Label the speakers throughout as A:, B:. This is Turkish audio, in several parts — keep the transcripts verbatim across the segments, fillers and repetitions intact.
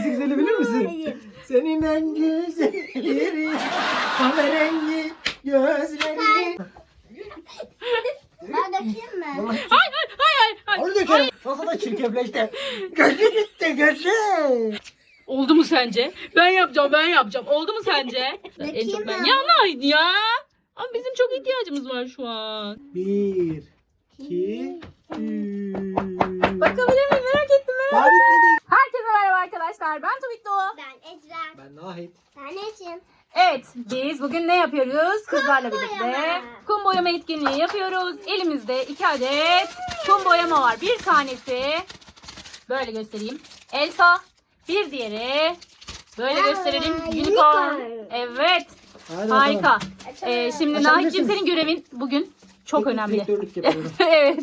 A: en güzeli bilir misin?
B: Hayır.
A: Senin en güzelleri, kahverengi gözlerin.
B: Ben dökeyim mi?
A: Vallahi
C: Hayır hayır hayır hayır.
A: onu dökerim. Nasıl da çirkefleşti. Gözü gitti gözü.
C: Oldu mu sence? Ben yapacağım ben yapacağım. Oldu mu sence? En çok ben.
B: mi?
C: Ya Nahit ya. Ama bizim çok ihtiyacımız var şu an.
A: Bir, iki, üç.
C: Bakabilir miyim? Merak ettim merak
A: Daha bitmedi.
C: Herkese merhaba arkadaşlar. Ben Tuvik Doğu.
B: Ben Ecren.
A: Ben Nahit.
B: Ben Ecin.
C: Evet, biz bugün ne yapıyoruz? Kızlarla birlikte
B: boyama.
C: kum boyama etkinliği yapıyoruz. Elimizde iki adet kum boyama var. Bir tanesi böyle göstereyim. Elsa. Bir diğeri böyle
B: Aa,
C: gösterelim. Unicorn.
B: unicorn.
C: Evet.
A: Hadi
C: Harika.
A: bakalım.
C: Ee, şimdi
A: Açabilirsiniz.
C: Nahit'ciğim senin görevin bugün çok
A: Teknik
C: önemli.
A: direktörlük yapıyorum.
C: Evet.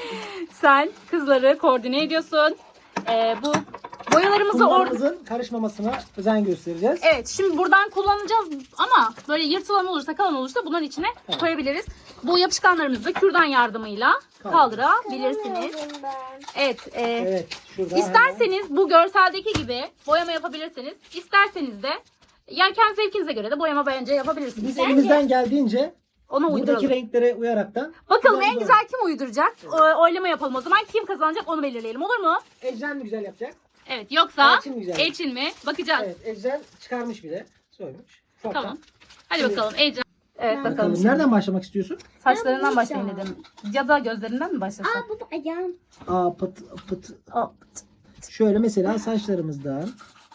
C: Sen kızları koordine ediyorsun. Ee, bu boyalarımızı orada...
A: Kumlarımızın karışmamasına özen göstereceğiz.
C: Evet, şimdi buradan kullanacağız ama böyle yırtılan olursa, kalan olursa bunların içine
A: Evet.
C: koyabiliriz. Bu yapışkanlarımızı da kürdan yardımıyla kaldırabilirsiniz. Evet, e,
A: Evet. Şurada hemen.
C: isterseniz bu görseldeki gibi boyama yapabilirsiniz. İsterseniz de yani kendi zevkinize göre de boyama bence yapabilirsiniz.
A: Biz elimizden geldiğince
C: Onu
A: buradaki
C: uyduralım.
A: renklere uyaraktan.
C: Bakalım en
A: boyama.
C: güzel kim uyduracak? O- Oylama yapalım o zaman. Kim kazanacak onu belirleyelim, olur mu?
A: Ecren mi güzel yapacak?
C: Evet, yoksa
A: Elçin mi güzel?
C: Elçin mi? Bakacağız.
A: Evet, Ecren çıkarmış bir de. Soymuş. Ufaktan.
C: Tamam. Hadi
A: Şimdi-
C: bakalım Ecem. Evet bakalım.
A: Bakalım.
C: şimdi.
A: Nereden başlamak istiyorsun?
C: Saçlarından
B: Ben
C: başlayın
B: bulacağım.
C: dedim. Ya da gözlerinden mi başlasak?
B: Aa bu da ayağım.
A: Aa pıt pıt.
C: Aa,
A: Şöyle mesela saçlarımızdan.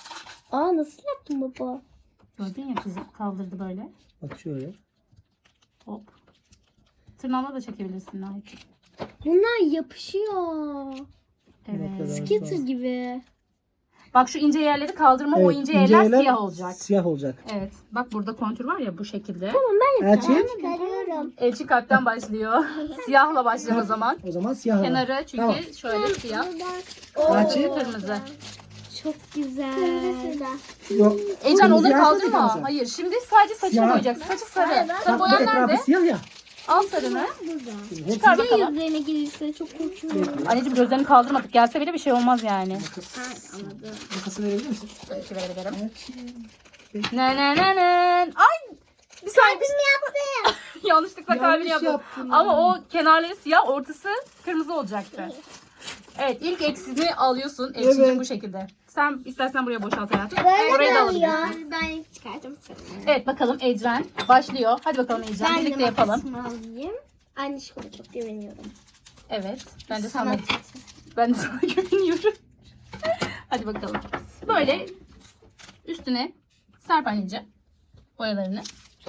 B: Aa nasıl yaptın baba?
C: gördün ya kızı kaldırdı böyle.
A: Bak şöyle.
C: Hop. Tırnağına da çekebilirsin Nahit.
B: Bunlar yapışıyor.
C: Evet.
A: kadar.
B: Skitter gibi.
C: Bak şu ince yerleri kaldırma. O
A: Evet,
C: ince,
A: ince
C: yerler,
A: yerler
C: siyah olacak.
A: Siyah olacak.
C: Evet. Bak burada kontür var ya bu şekilde.
A: Elçin.
B: Çıkarıyorum.
C: Elçi kalpten başlıyor. Siyahla başlıyor o zaman.
A: O zaman siyah alalım.
C: Kenarı çünkü
A: Tamam.
C: şöyle siyah.
A: Elçin.
C: Kırmızı.
B: Çok güzel.
A: Yok.
C: Ecen
A: Kırmızı
C: onları
A: yapmadık ama
C: kaldırma.
A: sen.
C: Hayır şimdi sadece saçını
A: Siyah.
C: boyayacaksın. Saçı sarı. Sarı
A: Bak bu
C: boyan
A: etrafı
C: nerede?
A: siyah ya.
C: Al sarını.
A: Şimdi hepsini
C: Çıkar bakalım.
B: Yüzlerine gelirse çok korkuyorum.
C: Anneciğim gözlerini kaldırmadık. Gelse bile bir şey olmaz yani.
B: Anladım.
A: makası verebilir misin?
C: Belki verebilirim.
A: Evet.
C: Ne ne ne ne. Ay! Bir saniye.
B: Kalbimi yaptım.
C: Yanlışlıkla kalbini
A: Yanlış
C: yaptım.
A: yaptın.
C: Ama o kenarları siyah, ortası kırmızı olacaktı. Evet, ilk eksini alıyorsun. Ekşicim
A: Evet.
C: bu şekilde. Sen istersen buraya boşalt hayatım.
B: Böyle
C: Orayı da
B: oluyor.
C: alabilirsin.
B: Ben çıkartım seni.
C: Evet, bakalım Ecren başlıyor. Hadi bakalım Ecren,
B: Ben
C: birlikte
B: de
C: yapalım.
B: makasımı alayım. Anne şuna çok güveniyorum.
C: Evet, ben de sana,
B: Sanat.
C: ben de sana güveniyorum. Hadi bakalım. Böyle üstüne serp anneciğim boyalarını.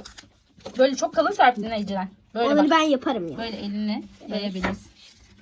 C: Böyle çok kalın serptin Ecren. Böyle
B: Onları
C: bak.
B: ben yaparım ya.
C: Böyle elinle yayabilirsin.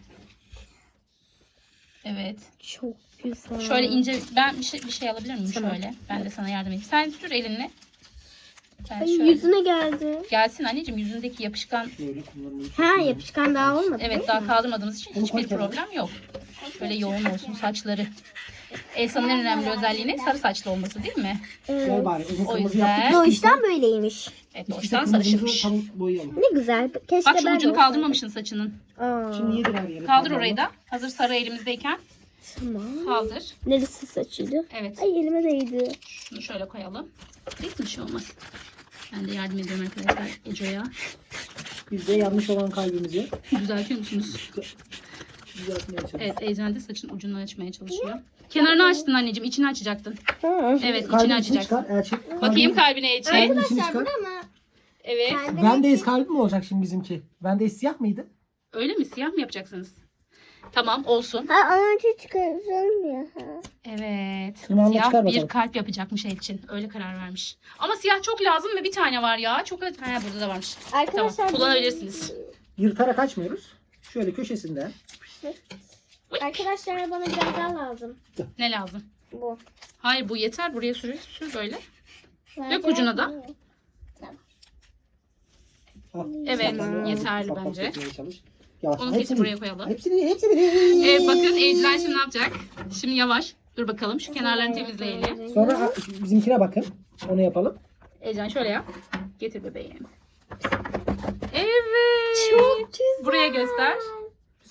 C: Evet.
B: Çok güzel.
C: Şöyle ince ben bir şey bir şey alabilir miyim
B: Tamam.
C: şöyle? Ben de sana yardım edeyim. Sen sür elinle. Ben
B: Ay,
C: şöyle.
B: yüzüne geldi.
C: Gelsin anneciğim yüzündeki yapışkan.
A: Şöyle kumlarını.
B: Ha yapışkan daha olmadı.
C: Evet daha kaldırmadığımız için
A: Onu
C: hiçbir
A: koy kenara.
C: problem yok. Şöyle yoğun olsun saçları. Elsa'nın en önemli özelliği ne? Sarı saçlı olması değil mi?
A: Gel bari. Uzun
C: O
A: kırmızı
C: yüzden-
A: yaptık.
B: Doğuştan böyleymiş.
C: Evet
A: İşte
C: doğuştan
A: kırmızımızı
C: sarışınmış.
A: tam boyayalım.
B: Ne güzel. Keşke
C: Bak şu
B: ben de
C: ucunu
B: olsaydım.
C: kaldırmamışsın saçının.
B: Aa,
A: Şimdi yedir her yeri.
C: Kaldır orayı da. Hazır sarı elimizdeyken
B: Tamam.
C: kaldır.
B: Neresi saçıydı?
C: Evet.
B: Ay elime değdi.
C: Şunu şöyle koyalım. Hiçbir şey olmaz. Ben de yardım ediyorum arkadaşlar Eco'ya.
A: Biz de yanlış olan kalbimizi
C: Düzeltiyor musunuz?
A: düzeltmeye çalışıyoruz.
C: Evet, Ecren de saçın ucunu açmaya çalışıyor. Kenarını açtın anneciğim, içini açacaktın.
B: Ha.
C: Evet, içini
A: Kalbini
C: açacaksın.
A: çıkar. Elçin.
C: Bakayım kalbine Ece.
A: Kalbin içini çıkar.
B: ama
C: Evet.
A: Bendeyiz kalbi mi olacak şimdi bizimki? Bendeyiz siyah mıydı?
C: Öyle mi? Siyah mı yapacaksınız? Tamam, olsun.
B: Ha önce çıkaracağım ya.
C: Evet.
A: Tırnağını
C: Siyah
A: çıkar
C: bir
A: bakalım.
C: kalp yapacakmış Elçin. Öyle karar vermiş. Ama siyah çok lazım ve bir tane var ya. Çok ha burada da varmış.
B: Arkadaşlar
C: Tamam, kullanabilirsiniz.
A: Yırtarak açmıyoruz. Şöyle köşesinden.
B: Arkadaşlar bana biraz daha lazım.
C: Ne lazım?
B: Bu.
C: Hayır bu yeter. Buraya sür, sür böyle. Dök ucuna da.
A: Al.
C: Evet,
A: Sen de
C: yeterli
A: ufak ufak
C: bence.
A: dökmeye çalış. Yavaş.
C: Onu kesip buraya koyalım.
A: Hepsini, hepsini.
C: Evet bakın Ecren şimdi ne yapacak? Şimdi yavaş. Dur bakalım şu kenarlarını temizleyelim.
A: Sonra a, bizimkine bakın. Onu yapalım.
C: Ecren şöyle yap. Getir bebeğim. Evet.
B: Çok güzel.
C: Buraya göster.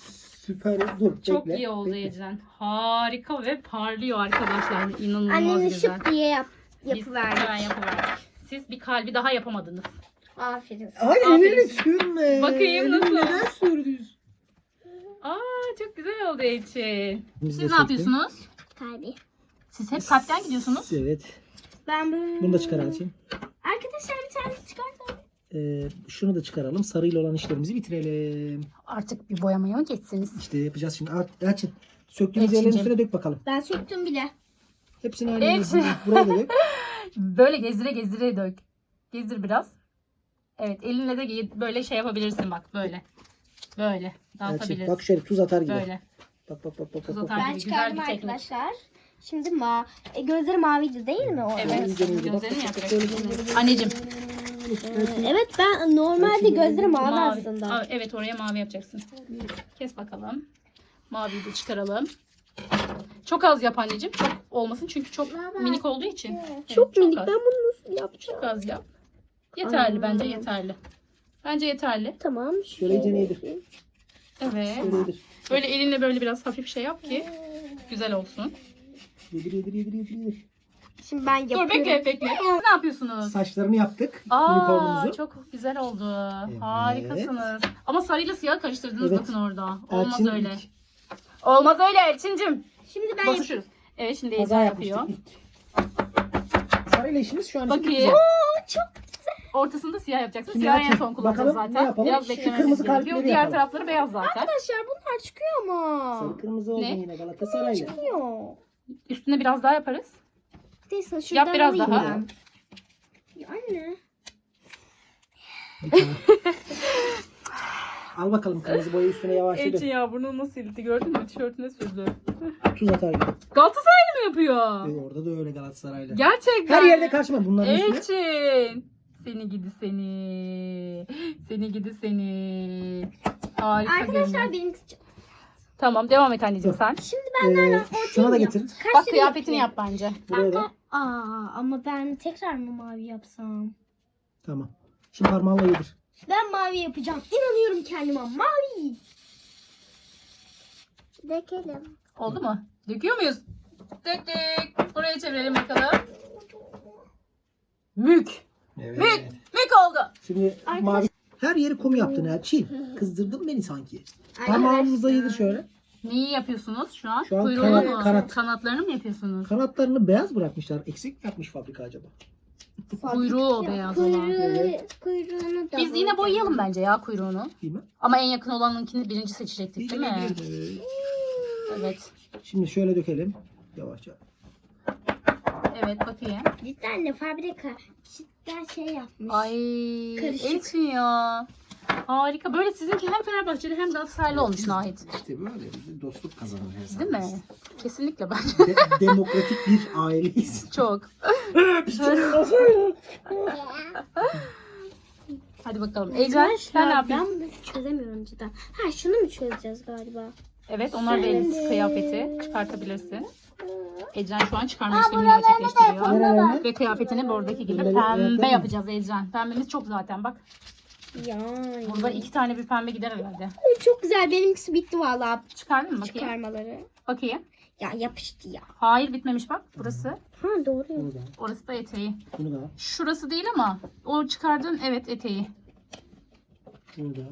A: Süper. Dur
C: Çok
A: bekle,
C: iyi oldu
A: bekle.
C: Ecren. Harika ve parlıyor arkadaşlar. İnanılmaz
B: Annemin
C: güzel.
B: şıp diye yap,
C: Biz
B: yapıverdik.
C: hemen yapıverdik. Siz bir kalbi daha yapamadınız.
B: Aferin.
A: Ay
C: Aferin.
A: elini sürme.
C: Bakayım
A: Elini
C: nasıl?
A: Neden sürdünüz?
C: Aa çok güzel oldu Ecin.
A: Biz
C: Siz
A: de
C: ne
A: çektim.
C: yapıyorsunuz?
B: Kalbi.
C: Siz hep kalpten gidiyorsunuz.
A: Evet.
B: Ben böyle...
A: Bunu da çıkar Elçin.
B: Arkadaşlar bir tanesi çıkarsa.
A: Ee, şunu da çıkaralım. Sarıyla olan işlerimizi bitirelim.
C: Artık bir boyamaya mı geçsiniz?
A: İşte yapacağız şimdi. Al, Elçin. Söktüğümüz
C: Elçinciğim.
A: yerlerin üstüne dök bakalım.
B: Ben söktüm bile.
A: Hepsini aynı
C: Elçin.
A: yere buraya da dök.
C: Böyle gezdire gezdire dök. Gezdir biraz. Evet elinle de ge- böyle şey yapabilirsin bak böyle. Böyle
A: Elçin,
C: dağıtabilirsin.
A: bak şöyle tuz atar gibi.
C: Böyle.
A: Bak bak bak bak.
C: Tuz
A: bak, bak.
C: atar.
B: Ben
C: gibi güzel
B: çıkardım
C: bir teknik.
B: arkadaşlar. Şimdi ma e, gözleri maviydi değil mi o?
C: Evet.
A: İyice, iyice. Bak,
C: Gözlerini
A: bak,
C: yapacaksın.
A: bak, böyle, böyle, böyle.
C: Anneciğim.
B: Ee, evet ben normalde gözlerim mavi,
C: Mavi.
B: aslında.
C: Aa, evet oraya mavi yapacaksın. Kes bakalım. Maviyi de çıkaralım. Çok az yap anneciğim. Çok olmasın çünkü çok minik olduğu için. Evet,
B: Çok minik.
C: az.
B: Ben bunu nasıl yapacağım?
C: Çok az yap. Yeterli
B: Aa.
C: bence yeterli. Bence yeterli.
B: Tamam.
A: Şöyle iyice yedir.
B: yapayım.
C: Evet.
A: Şöyle yedir.
C: Böyle elinle böyle biraz hafif şey yap ki güzel olsun.
A: Yedir yedir yedir yedir. yedir.
B: Şimdi ben yapıyorum.
C: Dur bekle bekle. Ne yapıyorsunuz?
A: Saçlarını yaptık.
C: Aa
A: Unicornumuzu.
C: çok güzel oldu.
A: Evet.
C: Harikasınız. Ama sarıyla siyah karıştırdınız
A: Evet.
C: bakın orada. Olmaz
A: Elçin
C: öyle.
A: ilk
C: Olmaz öyle Elçincim.
B: Şimdi ben yapıyorum.
C: Basışırız. Evet şimdi
A: kaza
C: Ecen
A: yapmıştık
C: yapıyor.
A: ilk. Sarıyla işimiz şu an için
C: Bakayım.
A: güzel.
B: Çok
C: Ortasında siyah yapacaksın.
A: Şimdi
C: Siyah en
A: Elçin,
C: son kullanacağız
A: bakalım ne
C: zaten.
A: yapalım?
C: Biraz
A: Şu
C: beklememiz
A: kırmızı
C: gerekiyor.
A: kalpleri
C: Diğer
A: yapalım.
C: tarafları beyaz zaten.
B: Arkadaşlar bunlar çıkıyor mu?
A: Sarı kırmızı oldu
C: Ne?
A: yine Galatasaray'la.
B: Çıkıyor.
C: Üstüne biraz daha yaparız.
B: Neyse şuradan
C: Yap biraz
B: alayım
C: daha.
B: ben. Ya anne.
A: Bir tane. Al bakalım kırmızı boyu üstüne yavaşça
C: Elçin
A: dök.
C: ya bunu nasıl sildi gördün mü? Tişörtüne sürdü.
A: Tuz atar gibi.
C: Galatasaraylı mı yapıyor?
A: Ee, orada da öyle Galatasaray'la.
C: Gerçekten.
A: Her yerde karşıma bunların üstüne.
C: Elçin. Seni gidi seni. Seni gidi seni. Harika
B: Arkadaşlar
C: görünüyor.
B: benimkisi çok.
C: Tamam devam et anneciğim sen.
B: Şimdi ben
A: Ee, şuna da
B: yap-
A: getir.
B: Kaç
C: Bak
B: tane
C: kıyafetini
B: yapayım?
C: yap bence.
A: Buraya da.
B: Aa ama ben tekrar mı mavi yapsam?
A: Tamam. Şimdi parmağınla yedir.
B: Ben mavi yapacağım. İnanıyorum kendime. Mavi. Dökelim.
C: Oldu mu? Döküyor muyuz? Döktük. Buraya çevirelim bakalım. Mük.
A: Evet.
C: Mük. Mük oldu.
A: Şimdi
B: Arkadaş-
A: mavi. Her yeri kum yaptın Elçin. Kızdırdın beni sanki. Parmağımızla yedir şöyle.
C: Neyi yapıyorsunuz şu an?
A: Şu an
C: Kuyruğunu
A: kanat-
C: mu?
A: kanat.
C: Kanatlarını mı yapıyorsunuz?
A: Kanatlarını beyaz bırakmışlar. Eksik mi yapmış fabrika acaba?
C: Kuyruğu o beyaz olan.
B: Kuyruğu,
A: Evet.
B: kuyruğunu da
C: Biz yine boyayalım bence ya kuyruğunu.
A: Değil mi?
C: Ama en yakın olanınkini birinci seçecektik değil mi?
A: Evet.
C: Evet.
A: Şimdi şöyle dökelim. Yavaşça.
C: Evet bakayım.
B: Cidden de fabrika cidden şey yapmış.
C: Ay
B: Karışık.
C: Elçin ya. Harika. Böyle sizinki hem Fenerbahçeli hem Galatasaraylı olmuş Nahit.
A: İşte böyle bir dostluk kazanır her zaman.
C: Değil mi? Kesinlikle bence.
A: De- demokratik bir aileyiz.
C: Çok. Hadi bakalım. Ecel sen ne yapıyorsun?
B: Ben bunu çözemiyorum cidden. Ha şunu mu çözeceğiz galiba?
C: Evet onlar da
B: Şimdi-
C: elbise kıyafeti çıkartabilirsin. Ecren şu an çıkarma
B: Aa,
C: işlemini
B: buralarına da
C: gerçekleştiriyor.
A: Nereye?
C: Ve kıyafetini buradaki gibi
A: Bunları
C: pembe
A: yapalım.
C: yapacağız Ecren. Pembemiz çok zaten bak.
B: Ya.
C: Burada iki tane bir pembe gider herhalde.
B: Ay, çok güzel. Benimkisi bitti vallahi
C: Çıkardın mı bakayım?
B: çıkarmaları.
C: Bakayım.
B: Ya yapıştı ya.
C: Hayır bitmemiş bak. Burası.
B: Ha doğru.
A: Bunu da.
C: Orası da eteği.
A: Bunu da.
C: Şurası değil ama o çıkardığın evet eteği.
A: Bunu da.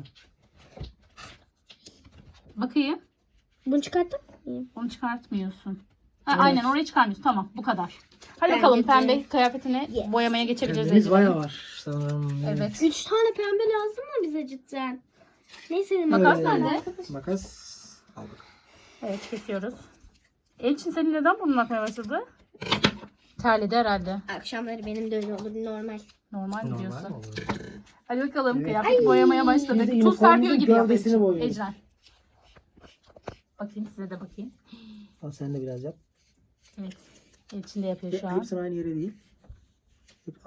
B: Bunu
C: Bakayım.
B: çıkarttın mı?
C: Onu çıkartmıyorsun. Ha,
A: Evet.
C: Aynen orayı çıkarmıyorsun. Tamam bu kadar. Hadi
B: Bence
C: bakalım
B: de.
C: pembe kıyafetini
B: Yes.
C: boyamaya geçebiliriz.
A: Pembemiz
C: Ecren.
A: bayağı var sanırım.
C: Evet.
B: Üç tane pembe lazım mı bize cidden? Neyse
C: Makas
A: Evet.
C: nerede?
A: Makas aldık.
C: Evet kesiyoruz. Elçin senin neden burnun akmaya başladı? Terledi herhalde.
B: Akşamları benim de öyle olur normal.
C: Normal mi
A: Normal
C: diyorsun?
A: olur.
C: Hadi bakalım
A: Evet.
C: kıyafet boyamaya başladık.
A: Biz de
C: Tuz serpiyor
A: unicornumuzun
C: gibi yap
A: gövdesini
C: Elçin.
A: boyuyoruz.
C: Ecren. Bakayım size de bakayım.
A: Al sen de biraz yap.
C: Evet. Elçin de yapıyor şu an.
A: Hepsinin aynı yere değil. Hep-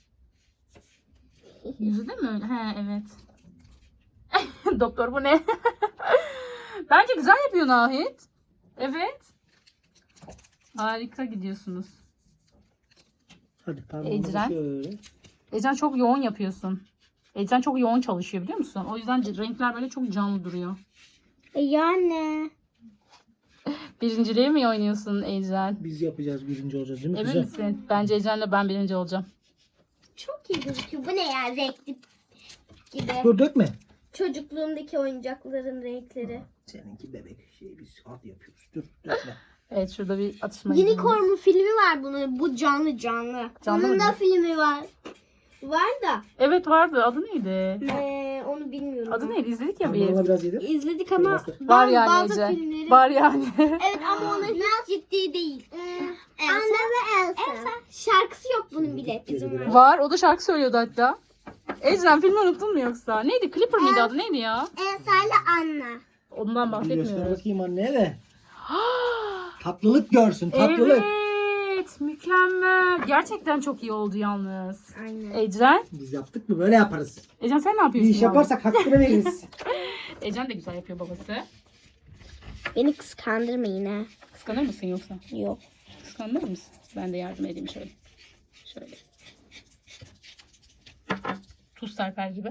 C: Yüzü de mi öyle? He evet. Doktor bu ne? Bence güzel yapıyor Nahit. Evet. Harika gidiyorsunuz.
A: Hadi parmağımızı
C: Ecren.
A: şöyle.
C: Ecen çok yoğun yapıyorsun. Ecen çok yoğun çalışıyor biliyor musun? O yüzden c- renkler böyle çok canlı duruyor.
B: E yani.
C: Birinciliği mi oynuyorsun Ecren?
A: Biz yapacağız, birinci olacağız değil mi?
C: Emin
A: Güzel.
C: misin? Bence Ecren'le ben birinci olacağım.
B: Çok iyi gözüküyor. Bu ne ya, renkli gibi.
A: Dur dökme.
B: Çocukluğumdaki oyuncakların renkleri.
A: Seninki bebek şey, biz hadi yapıyoruz. Dur dökme.
C: Evet, şurada bir atışma
B: Unicorn mu filmi var bunun. Bu canlı canlı.
C: Canlı
B: Onun
C: mı?
B: da filmi var. Var da
C: Evet vardı. Adı neydi?
B: ee, onu bilmiyorum.
C: Adı neydi? İzledik ya
A: Bana
C: biz.
A: biraz yedir.
B: İzledik ama
A: Bastır.
C: Var
B: ben
C: yani
B: bazı
C: Ece.
B: filmleri...
C: Var yani.
B: Evet ama onlar hiç ciddi değil. Elsa. Anne ve Elsa. Elsa. Şarkısı yok bunun bile. Bizim var.
C: Var. O da şarkı söylüyordu hatta. Ecren filmi unuttun mu yoksa? Neydi? Clipper miydi adı? Neydi ya?
B: Elsa ile Anna.
C: Ondan
A: Bir göster
C: bahsetmiyoruz.
A: bakayım anneye de. Tatlılık görsün, tatlılık.
C: Evet. Mükemmel. Gerçekten çok iyi oldu yalnız.
B: Aynen.
C: Ecren.
A: Biz yaptık mı böyle yaparız.
C: Ecren sen ne
A: Bir
C: yapıyorsun?
A: iş
C: yavrum?
A: yaparsak hakkını veririz.
C: Ecren de güzel yapıyor babası.
B: Beni kıskandırma yine.
C: Kıskanır mısın yoksa?
B: Yok.
C: Kıskanır mısın? Ben de yardım edeyim şöyle. Şöyle. Tuz serper gibi.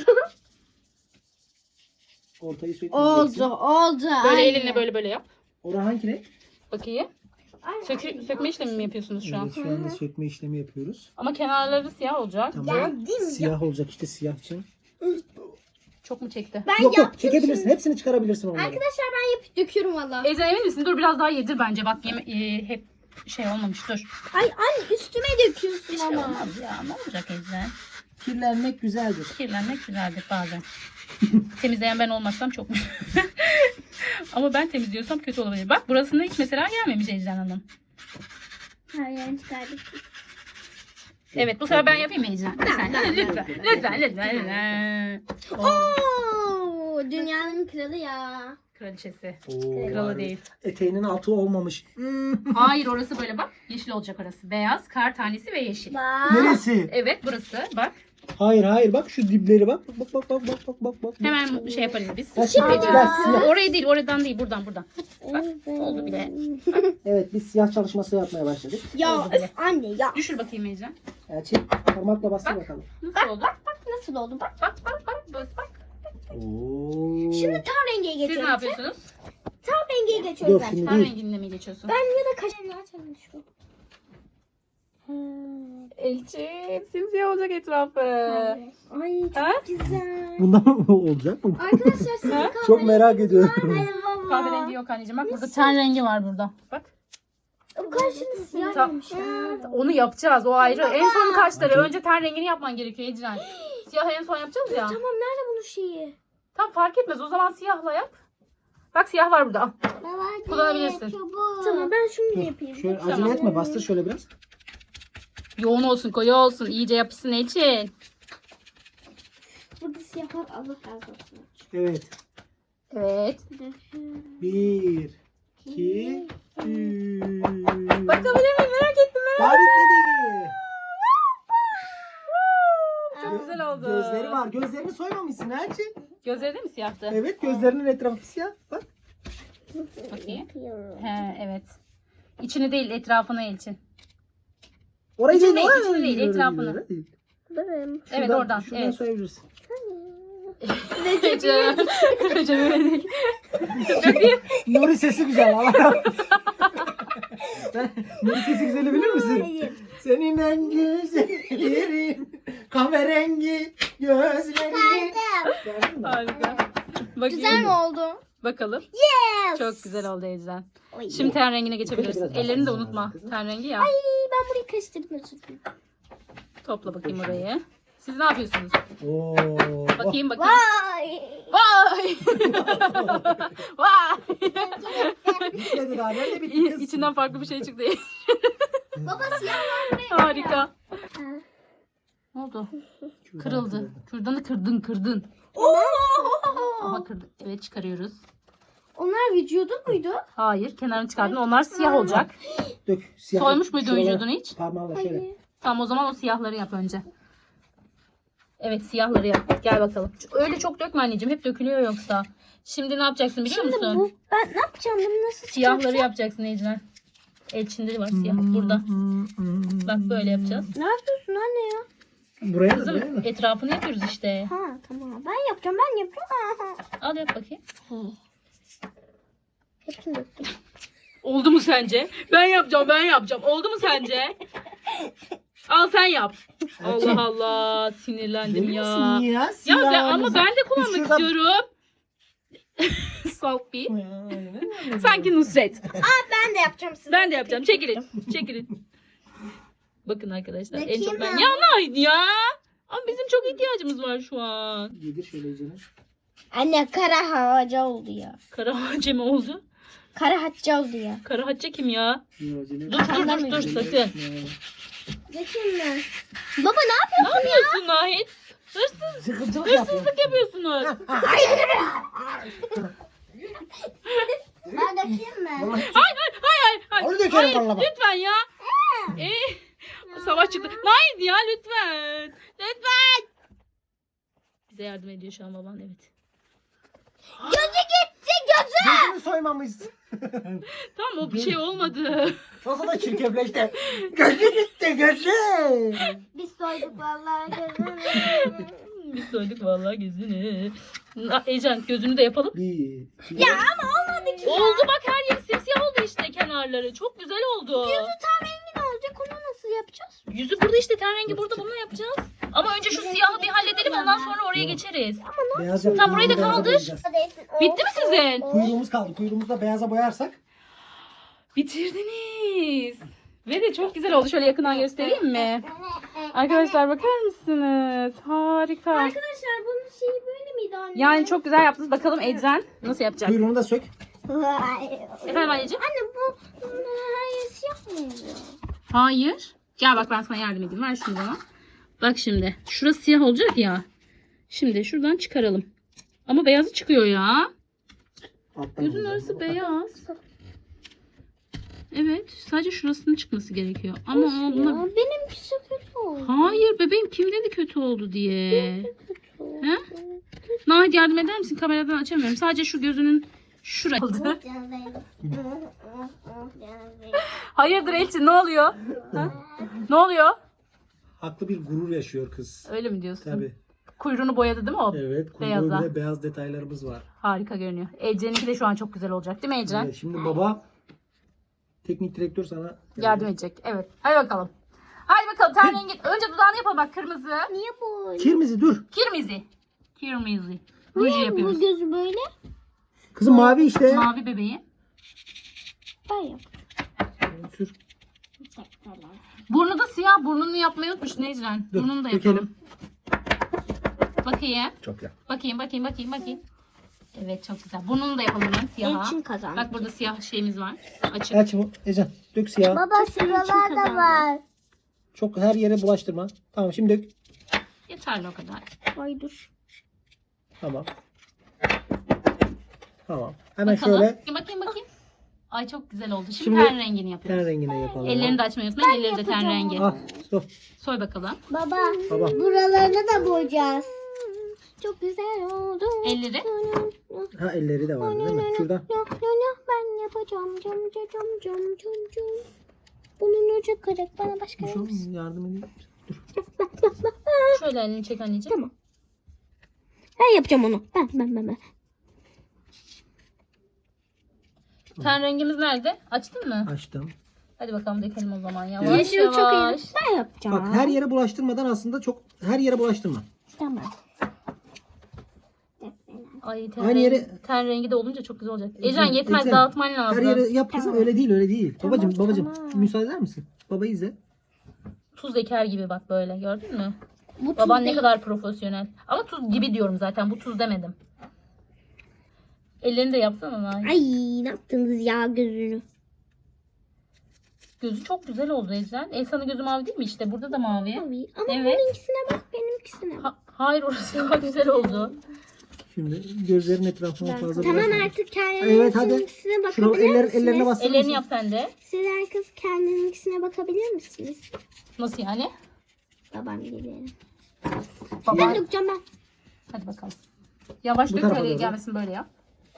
A: Ortayı
B: Oldu
A: sökmeyeceksin.
B: oldu.
C: Böyle
B: Aynen.
C: elinle böyle böyle yap.
A: Orhan hangi renk?
C: Bakayım. Sökü, sökme işlemi mi yapıyorsunuz şu an?
A: Evet, şu anda sökme işlemi yapıyoruz.
C: Ama kenarları siyah olacak.
A: Tamam.
B: Geldim.
A: Siyah olacak işte, siyah için.
C: Çok mu çekti?
B: Ben
A: Yok yok,
B: yaptım
A: çekebilirsin.
B: şimdi.
A: Hepsini çıkarabilirsin onları.
B: Arkadaşlar ben yapıp döküyorum valla.
C: Ecren emin misin? Dur biraz daha yedir bence. Bak yeme e, hep şey olmamış. Dur.
B: Ay anne üstüme döküyorsun
C: Bir şey
B: ama.
C: olmaz ya. Ne olacak Ecren?
A: Kirlenmek güzeldir.
C: Kirlenmek güzeldir bazen. Temizleyen ben olmazsam çok ama ben temizliyorsam kötü olabilir. Bak burasında hiç mesela gelmemiş Ecren Hanım.
B: Her yerini çıkardık.
C: Evet bu sefer ben yapayım mı Ecren? Lütfen lütfen lütfen lütfen. lütfen. Oo,
B: Oo, dünyanın kralı ya.
C: kraliçesi.
A: Oo,
C: Kralı
A: harbi.
C: değil.
A: Eteğinin altı olmamış. Hmm.
C: Hayır orası böyle bak. Yeşil olacak orası. Beyaz, kar tanesi ve yeşil.
B: Bak.
A: Neresi?
C: Evet burası bak.
A: Hayır hayır, bak şu dipleri bak. Bak bak bak bak bak bak bak.
C: Hemen şey yaparız biz.
A: Ha, şimdi
C: Ecren.
A: biraz siyah.
C: Orayı değil oradan değil buradan buradan. Bak oldu bile.
A: Evet, biz siyah çalışması yapmaya başladık.
B: Ya
C: Oldu bile.
B: öf, anne ya.
C: Düşür bakayım Ecren.
A: Elçin parmakla bastır bakalım.
C: Nasıl oldu?
B: Nasıl oldu bak.
C: Bak bak bak bak. bak.
A: Oo.
B: Şimdi tam rengiye
C: Siz ne
B: geçiyorum.
C: yapıyorsunuz?
B: Tam rengiye geçiyorum
A: Dur
B: ben.
A: şimdi
C: Ten
A: değil.
C: renginde mi geçiyorsun?
B: Ben ya da kaşarını açalım şu.
C: Elçin simsiyah olacak etrafı.
B: Ay çok
C: Ha?
B: güzel.
A: Bundan mı olacak mı?
B: Arkadaşlar sizin
C: Ha?
B: kahve
A: Çok merak ediyorum.
B: baba.
C: Kahverengi yok anneciğim. Bak burada ten rengi var burada. Bak.
B: Bu kaşını siyah
C: Ta-
B: yapmışlar.
C: Onu yapacağız. O ayrı. En son kaşları.
A: Acaba-
C: Önce ten rengini yapman gerekiyor Ecren. Siyah en son yapacağız ya.
B: Tamam nerede bunun şeyi?
C: Tam fark etmez. O zaman siyahla yap. Bak siyah var burada. Al. Kullanabilirsin.
B: Tamam ben şunu
A: Dur,
B: yapayım.
A: şöyle
C: Tamam.
A: acele etme, bastır şöyle biraz.
C: Yoğun olsun, koyu olsun. İyice yapışsın Elçin.
B: Burada siyah var, Allah razı olsun.
A: Evet.
C: Evet.
A: Bir, iki, üç.
C: Bakabilir miyim? Merak ettim. Merak
A: Daha bitmedi.
C: Çok güzel oldu.
A: Gözleri var. Gözlerini soymamışsın Elçin.
C: Gözleri de mi siyahtı?
A: Evet, gözlerinin etrafı siyah. Bak.
C: Bakayım. He, evet. İçini değil etrafını Elçin.
A: Orayı
C: İçini
A: değil,
C: değil,
A: orayı
C: içini değil,
A: orayı
C: etrafını.
A: orayı değil.
B: Benim.
C: Evet,
A: Şuradan-
C: oradan,
A: Şuradan
C: evet.
A: soyabilirsin.
C: Ecem. Ecem öyle değil. Bakayım.
A: Nuri sesi güzel. Allah razı olsun. Sen Nuri sesi güzeli bilir misin?
B: Hayır.
A: Senin en güzellerin, kahverengi gözlerin. Gördün mü?
C: Harika. Bakayım.
B: Güzel mi oldu?
C: Bakalım.
B: Yes.
C: Çok güzel oldu Ecem.
B: Oy.
C: Şimdi ten rengine geçebilirsin.
A: Biraz daha
C: Ellerini de
A: fazla
C: unutma.
A: lazım kızım.
C: Ten rengi ya.
B: Ay ben burayı karıştırdım özür dilerim.
C: Topla bakayım orayı. Siz ne yapıyorsunuz?
A: Oo.
C: Bakayım bakayım.
B: Vay.
C: Vay! Vay!
A: Bitmedi daha. Nerede bitti kız?
C: İçinden farklı bir şey çıktı.
B: Baba siyah var buraya.
C: Harika. Ne oldu? Kırıldı. Kürdanı kırdın kırdın.
B: Oo.
C: Ama kırdık. Evet çıkarıyoruz.
B: Onlar vücudu muydu?
C: Hayır kenarını çıkardın. Onlar siyah olacak.
A: Dök. Siyah.
C: Soymuş muydun
A: Şuralara
C: vücudunu hiç?
A: Parmağınla şöyle.
B: Hayır.
C: Tamam o zaman o siyahları yap önce. Evet siyahları yap. Gel bakalım. Öyle çok dökme anneciğim. Hep dökülüyor yoksa. Şimdi ne yapacaksın biliyor
B: Şimdi
C: musun?
B: bu ben ne yapacağım bunu nasıl
C: Siyahları
B: çıkaracağım?
C: yapacaksın Ecren. Elçinde var siyah. Burada. Bak böyle yapacağız.
B: Ne yapıyorsun anne ya?
A: Buraya mı?
C: Kızım
A: Buraya mı?
C: etrafını yapıyoruz işte.
B: Ha tamam ben yapacağım ben yapacağım.
C: Al yap bakayım.
B: Hepsini döktüm.
C: Oldu mu sence? Ben yapacağım, ben yapacağım. Oldu mu sence? Al sen yap.
A: Elçin.
C: Allah Allah, sinirlendim
A: Verir
C: ya.
A: misin ya?
C: Ya ben,
A: Siyahımızı.
C: ama ben de kullanmak
A: Şuradan-
C: istiyorum. Salt bir.
A: Ya, aynen.
C: Sanki Nusret.
B: Ben de yapacağım size.
C: Ben de yapacağım. Çekilin. Çekilin. Bakın arkadaşlar. En
B: Bakayım
C: çok ben.
B: ben.
C: Ya Nahit ya. Ama bizim çok ihtiyacımız var şu an.
A: Yedir şöyle iyicene.
B: Anne kara hacca oldu ya.
C: Kara hacce mi oldu?
B: Kara hacca oldu ya.
C: Kara hacce kim ya?
A: Dur acele.
C: Dur dur dur dur sakın.
B: Dökeyim mi? Baba ne
C: Ne yapıyorsun Nahit? Hırsız,
A: Sıkıntılık yapıyor.
C: hırsızlık yapıyorsunuz.
B: Ben dökeyim mi?
A: Vallahi
C: Hayır hayır hayır. hayır.
A: Onu dökerim
C: Hayır,
A: vallahi bak.
C: lütfen ya. Ee, savaş çıktı. Nahit ya lütfen. Lütfen. Bize yardım ediyor şu an baban, evet.
B: Gözü gitti gözü.
A: Gözünü soymamışsın.
C: Tamam, o bir şey olmadı.
A: Nasıl da çirkefleşti. Gözü gitti gözü.
B: Biz soyduk vallahi gözünü.
C: Biz soyduk vallahi gözünü. Na- Ecem gözünü de yapalım.
A: Bir.
B: Ya ama olmadı ki.
C: Oldu bak, her yeri simsiyah oldu işte kenarları. Çok güzel oldu.
B: Gözü tam rengin olacak, onu nasıl yapacağız?
C: Yüzü burada işte, ten rengi burada, bunu yapacağız. Ama önce şu siyahı bir halledelim, ondan sonra oraya geçeriz.
A: Beyaz
C: Tamam, burayı da
A: beyaza
C: kaldır.
A: boyayacağız.
C: Bitti mi sizin?
A: Kuyruğumuz kaldı. Kuyruğumuzu da beyaza boyarsak.
C: Bitirdiniz. Ve de çok güzel oldu. Şöyle yakından göstereyim mi? Arkadaşlar bakar mısınız? Harika.
B: Arkadaşlar bunun şeyi böyle miydi anne?
C: Yani çok güzel yaptınız. Bakalım Ecren nasıl yapacak?
A: Kuyruğunu da sök.
C: Efendim anneciğim?
B: Anne bu her yer siyah mı oluyor?
C: Hayır. Gel bak, ben sana yardım edeyim. Ver şunu bana. Bak şimdi. Şurası siyah olacak ya. Şimdi şuradan çıkaralım. Ama beyazı çıkıyor ya.
A: Alttan
C: Gözün
A: alacağız.
C: arası beyaz. Evet. Sadece şurasının çıkması gerekiyor. Ama o buna...
B: Ya, benimkisi kötü oldu.
C: Hayır bebeğim, kim dedi kötü oldu diye. He? Nahit yardım eder misin? Kameradan açamıyorum. Sadece şu gözünün şurası. Hayırdır Elçin, ne oluyor? Ha? Ne oluyor?
A: Haklı bir gurur yaşıyor kız.
C: Öyle mi diyorsun?
A: Tabii.
C: Kuyruğunu boyadı değil mi o?
A: Evet.
C: Beyaza.
A: Kuyruğu bile beyaz detaylarımız var.
C: Harika görünüyor. Ecren'inki de şu an çok güzel olacak değil mi Ecren?
A: Evet, şimdi baba teknik direktör sana
C: Yardım edecek. Evet. Hadi bakalım. Hadi bakalım. Ten rengi. Önce dudağını yapalım bak, kırmızı.
B: Niye bu?
A: Kirmizi dur.
C: Kirmizi. Kirmizi. Ruju
B: Niye bu
C: yapıyoruz.
B: gözü böyle?
A: Kızım mavi işte.
C: Mavi bebeği.
B: Ben yap.
A: Sür.
C: Burnu da siyah. Burnunu yapmayı unutmuşsun Ecren.
A: Dur,
C: Burnunu da
A: dökelim.
C: yapalım. Bakayım.
A: Çok güzel.
C: Bakayım bakayım bakayım bakayım. Evet çok güzel. Burnunu da yapalım ben siyaha.
B: Elçin kazandı.
C: Bak burada siyah şeyimiz var. Açık.
A: Aç bu. Ecem dök siyah.
B: Baba sıralar da var.
A: Çok her yere bulaştırma. Tamam şimdi dök.
C: Yeterli o kadar.
B: Ay dur.
A: Tamam. Tamam. Hemen
C: Bakalım.
A: şöyle
C: Bakayım bakayım bakayım. Ay çok güzel oldu. Şimdi,
A: Şimdi
C: ten rengini yapıyoruz.
A: ten rengine yapalım.
C: Ellerini de açmayı unutmayın. Elleri de ten rengi.
A: Al. Dur.
C: Soy bakalım.
B: Baba.
A: Baba.
B: Buralarını da boyayacağız. Çok güzel oldu.
C: Elleri.
A: Ha elleri de var değil mi? Şuradan.
B: Yok yok yok ben yapacağım. Cam cam cam cam cam cam. Bunun ucu kırık. Bana başka
A: Bir
B: yer
A: şey
B: misin?
A: olmaz, yardım edeyim. Dur.
C: Şöyle elini çek anneciğim.
B: Tamam. Ben yapacağım onu. Ben ben ben ben.
C: Ten rengimiz nerede? Açtın mı?
A: Açtım.
C: Hadi bakalım dökelim o zaman. Yavaş
B: Yeşil
C: yavaş.
B: çok iyi. Ben yapacağım.
A: Bak her yere bulaştırmadan aslında çok her yere bulaştırma.
B: Tamam.
C: Ay ten,
A: Aynı
C: rengi,
A: yere-
C: ten rengi de olunca çok güzel olacak.
A: Ecem,
C: Ecren yetmez,
A: Ecem,
C: dağıtman lazım.
A: Her yere yap kızım, öyle değil öyle değil.
B: Tamam,
A: babacım babacım
B: tamam.
A: müsaade eder misin? Babayı izle.
C: Tuz eker gibi bak böyle, gördün mü?
B: Bu
C: Baban
B: tuz
C: ne
B: değil.
C: kadar profesyonel. Ama tuz gibi diyorum zaten, bu tuz demedim. Ellerini de yapsana Nahit.
B: Ay ne yaptınız ya gözünü?
C: Gözü çok güzel oldu Ecren. Elsa'nın gözü mavi değil mi işte? Burada da mavi.
B: Mavi. Ama
C: Evet.
B: benimkisine bak benimkisine bak.
C: Ha- hayır, orası daha güzel oldu.
A: Şimdi gözlerin etrafına fazla
B: Tamam
A: bulaştırma.
B: artık
A: Evet, hadi.
B: kendininkisine
A: Şuna
B: bakabilir
A: eller,
B: misiniz?
A: ellerine bastırır
C: Ellerini
A: mısın?
C: yap sen de.
B: Sizler kız kendininkisine bakabilir misiniz?
C: Nasıl yani?
B: Babam gibi.
C: Baba.
B: Ben dökeceğim ben.
C: Hadi bakalım. Yavaş
A: Bu
C: dök,
A: tarafa
C: öyle
A: doğru.
C: gelmesin, böyle yap.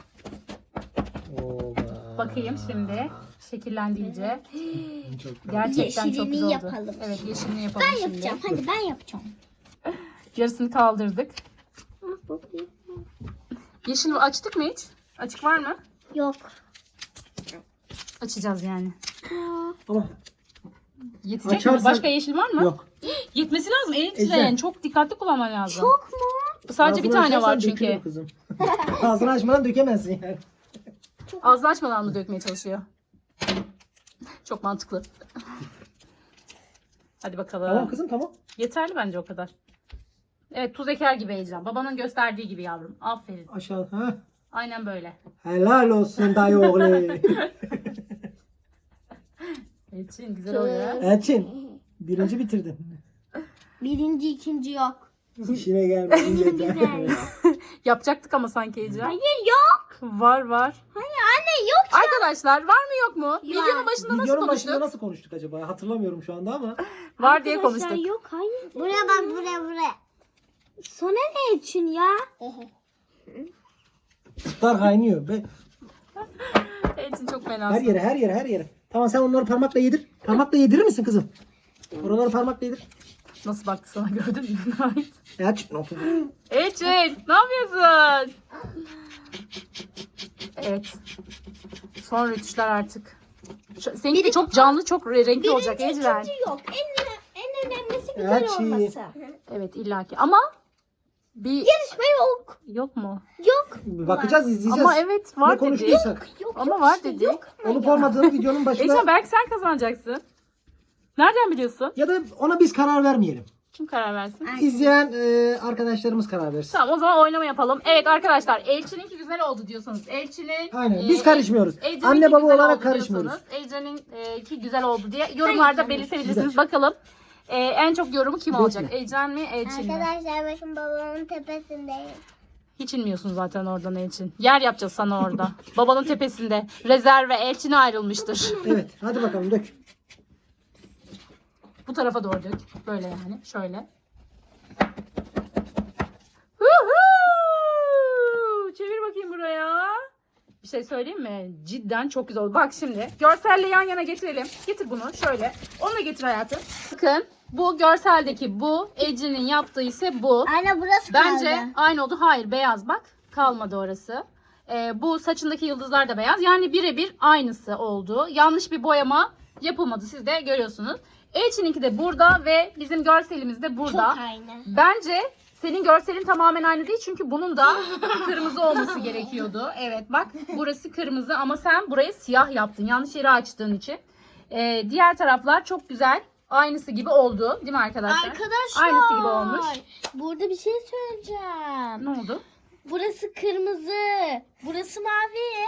A: Oba.
C: Bakayım şimdi. Şekillendi iyice.
A: Çok güzel.
C: Gerçekten çok
B: Yeşilini
C: güzel oldu.
B: yapalım.
C: Evet, yeşilini yapalım
B: Ben
C: şimdi.
B: yapacağım. Hadi ben yapacağım.
C: Yarısını kaldırdık.
B: Ah, bakayım.
C: Yeşil açtık mı hiç? Açık var mı?
B: Yok.
C: Açacağız yani.
A: Ama
C: Yetecek mi?
A: Açarsan-
C: Başka yeşil var mı?
A: yok.
C: Yetmesi lazım. Ecren.
A: Ecren.
C: Çok dikkatli kullanman lazım.
B: Çok mu?
C: Sadece bir
A: Ağzını
C: tane var
A: açarsan
C: çünkü.
A: dökülür kızım. Ağzını açmadan dökemezsin yani.
C: Ağzını açmadan mı dökmeye çalışıyor? Çok mantıklı. Hadi bakalım.
A: Tamam kızım tamam.
C: Yeterli bence o kadar. Evet, tuz eker gibi Ecren. Babanın gösterdiği gibi yavrum. Aferin.
A: Aşağı. Ha.
C: Aynen böyle.
A: Helal olsun dayı oğlu.
C: Elçin güzel oluyor.
A: Elçin. Birinci bitirdin.
B: Birinci, ikinci yok.
A: İşine gelmedin yeter.
B: Güzel.
C: Yapacaktık ama sanki Ecren.
B: Hayır yok.
C: Var var.
B: Hayır anne yok.
C: Arkadaşlar var mı yok mu? Videonun başında nasıl
A: Videonun
C: konuştuk?
A: başında nasıl konuştuk acaba? Hatırlamıyorum şu anda ama.
C: Var diye
B: Arkadaşlar,
C: konuştuk.
B: yok hayır. Buraya bak buraya buraya. Sonra ne için ya?
A: Sütler kaynıyor. Be.
C: Elçin çok
A: Her
C: fenasın.
A: yere her yere her yere. Tamam sen onları parmakla yedir. Parmakla yedirir misin kızım? Oraları parmakla yedir.
C: Nasıl baktı sana gördün mü?
A: Aç.
C: Elçin ne yapıyorsun? Evet. Son rütuşlar artık. Şu- Seninki de çok canlı, çok re- renkli olacak
B: Birinci,
C: Ecren.
B: ikinci yok. En, en önemlisi güzel
A: Elçin.
B: olması.
C: Evet illaki ama bir
B: Yarışma yok.
C: yok mu?
B: Yok.
A: Bakacağız izleyeceğiz.
C: Ama evet var
A: Ne
C: dedi.
A: konuştuysak.
B: Yok.
C: Ama
B: yok
C: var
B: işte,
C: dedi.
B: Yok.
A: Olup olmadığını videonun başında.
C: Ecren belki sen kazanacaksın. Nereden biliyorsun?
A: Ya da ona biz karar vermeyelim.
C: Kim karar versin?
A: İzleyen e, arkadaşlarımız karar versin.
C: Tamam o zaman oynama yapalım. Evet arkadaşlar Elçin'inki güzel oldu diyorsanız Elçin'in
A: Aynen,
C: e,
A: biz karışmıyoruz.
C: Ecren'inki
A: Anne baba
C: güzel
A: olarak
C: oldu
A: karışmıyoruz.
C: diyorsanız, Ecren'inki güzel oldu diye yorumlarda
B: Hayır,
C: belirtebilirsiniz.
A: güzel.
C: Bakalım e, en çok yorumu kim
A: Bekle.
C: alacak? Ecren mi Elçin mi?
B: Arkadaşlar bakın babamın tepesindeyim.
C: Hiç inmiyorsun zaten oradan Elçin. Yer yapacağız sana orada. Babanın tepesinde. Rezerve Elçin'e ayrılmıştır.
A: Evet hadi bakalım dök.
C: Bu tarafa doğru dök. Böyle yani. Şöyle. Huhu! Çevir bakayım buraya. Bir şey söyleyeyim mi? Cidden çok güzel oldu. Bak şimdi görselle yan yana getirelim. Getir bunu şöyle. Onu da getir hayatım. Bakın bu görseldeki bu. Ece'nin yaptığı ise bu.
B: Anne burası
C: Bence
B: kaldı.
C: aynı oldu. Hayır beyaz bak. Kalmadı orası. Ee, bu saçındaki yıldızlar da beyaz. Yani birebir aynısı oldu. Yanlış bir boyama yapılmadı. Siz de görüyorsunuz. Elçin'inki de burada ve bizim görselimiz de burada.
B: Çok aynı.
C: Bence senin görselin tamamen aynı değil. Çünkü bunun da kırmızı olması gerekiyordu. Evet bak burası kırmızı ama sen burayı siyah yaptın. Yanlış yeri açtığın için. Ee, diğer taraflar çok güzel. Aynısı gibi oldu. Değil mi arkadaşlar?
B: Arkadaşlar.
C: Aynısı gibi olmuş.
B: Burada bir şey söyleyeceğim.
C: Ne oldu?
B: Burası kırmızı. Burası mavi.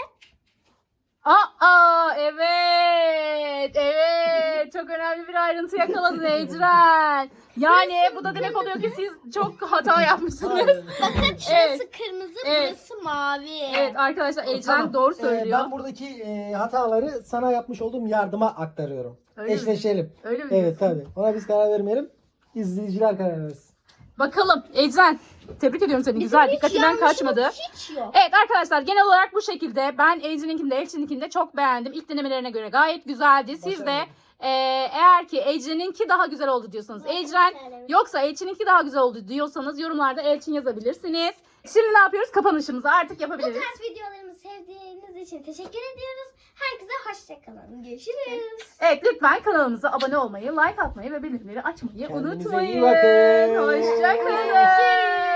C: Aa evet. Evet. Çok önemli bir ayrıntı yakaladın Ecren. Yani bu da demek oluyor ki siz çok hata yapmışsınız.
B: Bakın şurası
C: Evet.
B: kırmızı,
C: Evet.
B: burası mavi.
C: Evet arkadaşlar Ecren
A: Tamam.
C: doğru
A: Ee,
C: söylüyor.
A: ben buradaki e, hataları sana yapmış olduğum yardıma aktarıyorum.
C: Öyle mi?
A: Eşleşelim.
C: Öyle mi?
A: Evet tabii. Ona biz karar vermeyelim. İzleyiciler karar versin.
C: Bakalım Ecren. Tebrik ediyorum seni. Güzel.
B: Hiç
C: Dikkatinden
B: yanlışımız
C: kaçmadı.
B: Hiç yok.
C: Evet arkadaşlar genel olarak bu şekilde. Ben Ecren'inkini de Elçin'inkini de çok beğendim. İlk denemelerine göre gayet güzeldi. Siz de
A: Başarılı.
C: e, eğer ki Ecren'inki daha güzel oldu diyorsanız Ecren yoksa Elçin'inki daha güzel oldu diyorsanız yorumlarda Elçin yazabilirsiniz. Şimdi ne yapıyoruz? Kapanışımızı artık
B: Bu
C: yapabiliriz.
B: tarz videolarımı sevdiğiniz için teşekkür ediyoruz. Herkese hoşçakalın. Görüşürüz.
C: Evet lütfen kanalımıza abone olmayı, like atmayı ve bildirimleri açmayı
A: Kendinize iyi
C: unutmayın.
A: bakın.
C: Hoşçakalın.